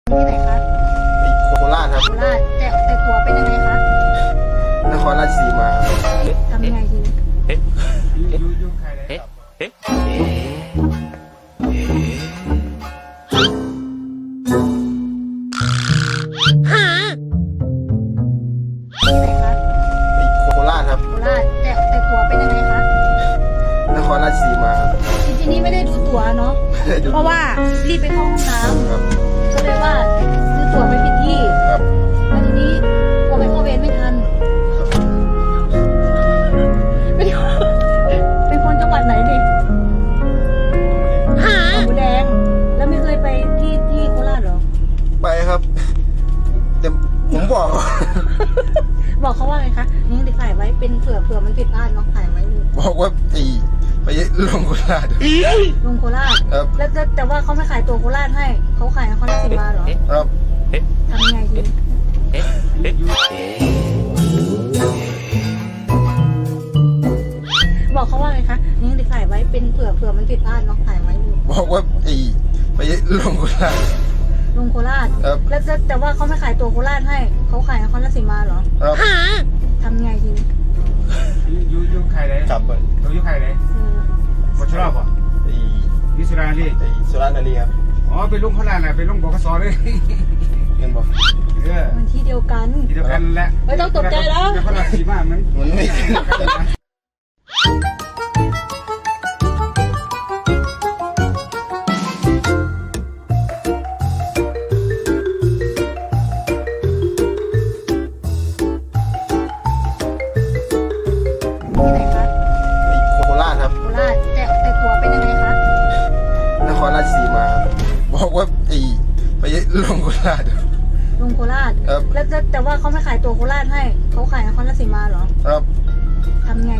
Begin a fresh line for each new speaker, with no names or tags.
ที่ไหนคะ
โคราชครับ
โคราชแต่ตัวเป็นยังไงคะ
นครราชสีมา
ทำยังไงดีที่ไหนคะ
โคราชครับ
โคราชแต่ตัวเป็นยังไงคะ
นครราชสีมา
จริงๆนี่ไม่ได้ดูตั๋วเนาะเพราะว่ารีบไปเข้าห้องน้ำก็เลยว่าซื้อตั๋วไปผิดที่
ครับ
แล้วทีนี้กลัวไปเข้าเวรไม่ทันเป็นคนจังหวัดไหนนี่หนองบัวแดงแล้วไม่เคยไปที่โคราชเหรอ
ไปครับแต่ผมบอก
บอกเขาว่าไงคะนี่เด็กถ่ายไว้เป็นเผื่อมันผิดพลาดเนาะถ่ายไว้เลย
บอกว่าไปลงโคราช
ลงโคราช
ครับ
แล้วแต่ว่าเขาไม่ขายตัวโคราชให้เขาขายนครราชสีมาเหรอ
ครับ
ทำยังไงดีบอกเขาว่าไงคะนี่เด็กถ่ายไว้เป็นเผื่อมันผิดพลาดเนาะถ่ายไว้เลย
บอกว่าไปลงโคราช
ลงโคราช
ครับ
แล้วแต่ว่าเขาไม่ขายตัวโคราชให้เขาขายนครราชสีมาเหรอ
ครับ
ทำยังไงดี
ยุใครเลย
กลับไป
ยุใครเลยวัชรอบอ่ะยุสุราลี
สุรานารีครับ
อ๋อไปลงโคราชแหละไปลงบกสเลย
เห็นบอก
มันที่เดียวกัน
แหละ
ไม่ต้องตกใจแล้ว
นครราชสีมามัน
ไม่
ที่ไหนคะ
โคราชครับ
โคราชแต่ตัวเป็นยังไงคะ
นครราชสีมาบอกว่าไปลงโคราช
ลงโคราช
ครับ
แล้วแต่ว่าเขาไม่ขายตัวโคราชให้เขาขายนครราชสีมาเหรอ
ครับ
ทำยังไง